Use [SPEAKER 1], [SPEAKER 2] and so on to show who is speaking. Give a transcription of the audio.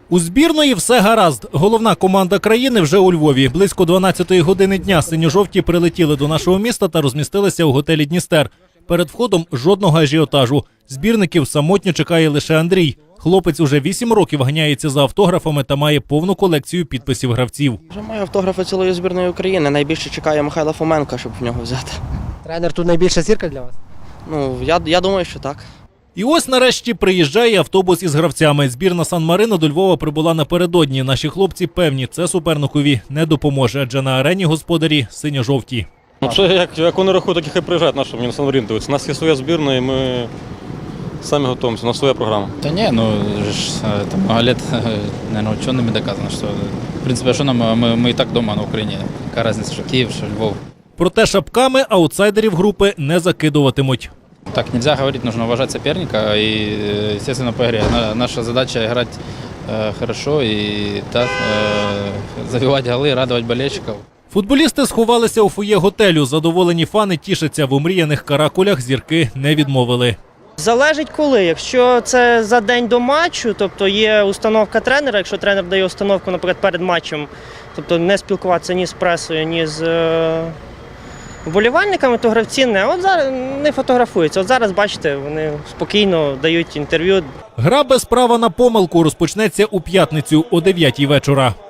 [SPEAKER 1] У збірної все гаразд. Головна команда країни вже у Львові. Близько 12-ї години дня синьо-жовті прилетіли до нашого міста та розмістилися у готелі «Дністер». Перед входом жодного ажіотажу. Збірників самотньо чекає лише Андрій. Хлопець уже 8 років ганяється за автографами та має повну колекцію підписів гравців.
[SPEAKER 2] Вже маю автографи цілої збірної України. Найбільше чекає Михайла Фоменка, щоб в нього взяти.
[SPEAKER 3] Тренер тут найбільша зірка для вас?
[SPEAKER 2] Ну, я думаю, що так.
[SPEAKER 1] І ось нарешті приїжджає автобус із гравцями. Збірна Сан-Марино до Львова прибула напередодні. Наші хлопці певні, це суперникові не допоможе, адже на арені господарі синьо-жовті.
[SPEAKER 4] Ну, це як вони рахують, так і хай приїжджають, на що мені на Сан-Маріно дивитися. У нас є своя збірна і ми самі готуємося, у нас своя програма.
[SPEAKER 5] Да не, ну, это много лет, наверное, учеными доказано, что, в принципе, что нам, мы и так дома на Украине. Какая разница, что Киев, что Львов.
[SPEAKER 1] Проте шапками аутсайдерів групи не закидуватимуть.
[SPEAKER 5] Так нельзя говорить, нужно уважать соперника и, естественно, по игре. Наша задача играть хорошо и так, забивать голы, радовать болельщиков.
[SPEAKER 1] Футболісти сховалися у фоє готелю. Задоволені фани тішаться. В омріяних каракулях зірки не відмовили.
[SPEAKER 6] Залежить коли. Якщо це за день до матчу, тобто є установка тренера, якщо тренер дає установку, наприклад, перед матчем, тобто не спілкуватися ні з пресою, ні з вболівальниками, то гравці от зараз не фотографуються. От зараз, бачите, вони спокійно дають інтерв'ю.
[SPEAKER 1] Гра без права на помилку розпочнеться у п'ятницю о 9-й вечора.